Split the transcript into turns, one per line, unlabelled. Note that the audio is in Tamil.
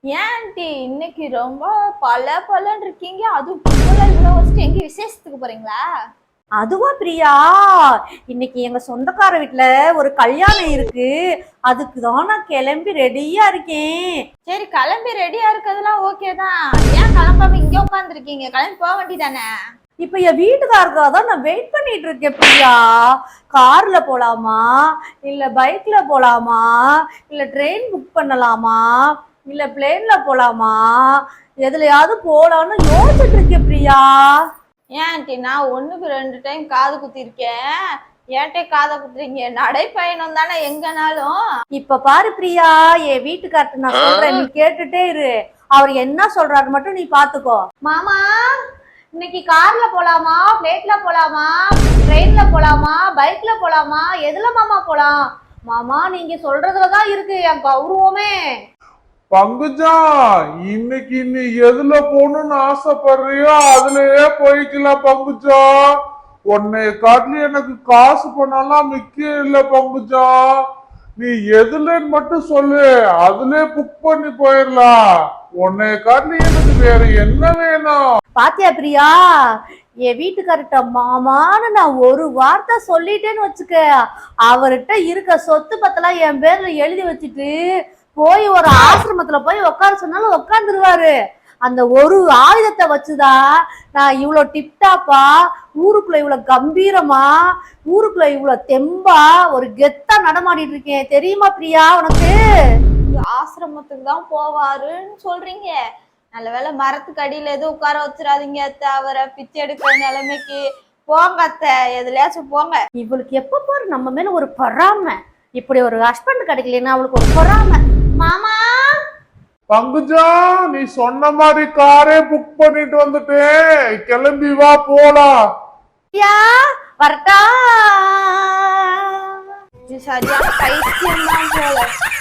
ஏன் ஆண்டி இன்னைக்கு ரொம்ப பல பலன்னு இருக்கீங்க? அதுவும் இவ்வளவு வச்சுட்டு எங்க விசேஷத்துக்கு போறீங்களா?
அதுவா பிரியா, இன்னைக்கு எங்க சொந்தக்கார வீட்டுல ஒரு கல்யாணம் இருக்கு. அதுக்கு தான் நான் கிளம்பி ரெடியா இருக்கேன்.
சரி, கிளம்பி ரெடியா இருக்கிறதுலாம் ஓகே தான். ஏன் கிளம்பாம இங்க உட்காந்துருக்கீங்க? கிளம்பி போக வேண்டியதானே?
இப்ப என் வீட்டுக்காரருக்காக தான் நான் வெயிட் பண்ணிட்டு இருக்கேன் பிரியா. கார்ல போலாமா, இல்ல பைக்ல போலாமா, இல்ல ட்ரெயின் புக் பண்ணலாமா, இல்ல பிளேன்ல போலாமா, எதுலயாவது போலான்னு யோசிச்சுட்டு இருக்கேன் பிரியா.
ஏன் ஆண்டி, நான் 1க்கு 2 டைம் காது குத்திருக்கேன். ஏன்ட்டே காதை குத்துறீங்க? நடைப்பயணம் தானே எங்கனாலும்.
இப்ப பாரு பிரியா, என் வீட்டுக்கார்ட்ட நான் சொல்றேன், நீ கேட்டுட்டே இரு. அவர் என்ன சொல்றாரு மட்டும் நீ பாத்துக்கோ. மாமா, இன்னைக்கு கார்ல போலாமா, பிளேட்ல போலாமா, ட்ரெயின்ல போலாமா, பைக்ல போலாமா, எதுல மாமா போலாம்? மாமா, நீங்க சொல்றதுலதான் இருக்கு என் கௌரவமே.
பங்குஜா, இன்னைக்கு நீ எதுல போகணும்னு ஆசைப்படுறியோ அதுலயே போய்க்கலாம் பங்குஜா. உன்னை காட்டில எனக்கு காசு பண்ணலாம் முக்கியம் இல்ல பங்குஜா. நீ எதுலன்னு மட்டும் சொல்லு, அதுல புக் பண்ணி போயிடலாம். உன்னை காட்டில எனக்கு வேற என்ன வேணும்?
பாத்தியா பிரியா, என் வீட்டுக்கார்ட்ட மாமான்னு நான் ஒரு வார்த்தை சொல்லிட்டேன்னு வச்சுக்க, அவர்கிட்ட இருக்க சொத்து பத்தெல்லாம் என் பேர்ல எழுதி வச்சுட்டு போய் ஒரு ஆசிரமத்துல போய் உட்கார சொன்னாலும் உட்காந்துருவாரு. அந்த ஒரு ஆயுதத்தை வச்சுதான் நான் இவ்வளவு டிப்டாப்பா, ஊருக்குள்ள இவ்வளவு கம்பீரமா, ஊருக்குள்ள இவ்வளவு தெம்பா ஒரு கெத்தா நடமாடிட்டு இருக்கேன். தெரியுமா பிரியா உனக்கு?
ஆசிரமத்துக்கு தான் போவாருன்னு சொல்றீங்க. நல்ல வேளை மரத்துக்கு அடியில எதுவும் உட்கார வச்சிடாதீங்க அத்தை. அவரை பிச்சை எடுக்கிற நிலைமைக்கு போங்க அத்தை, எதுலயாச்சும் போங்க.
இவளுக்கு எப்ப பாரு நம்ம மேல ஒரு பொறாமை. இப்படி ஒரு ஹஸ்பண்ட் கிடைக்கலன்னா அவளுக்கு ஒரு பொறாமை. மாமா,
பங்குஜா, நீ சொன்ன மாதிரி காரே புக் பண்ணிட்டு வந்துட்டேன். கிளம்பி வா போலாம்.
வரட்டா?
இது சரியான பைத்தியம் தான் போல.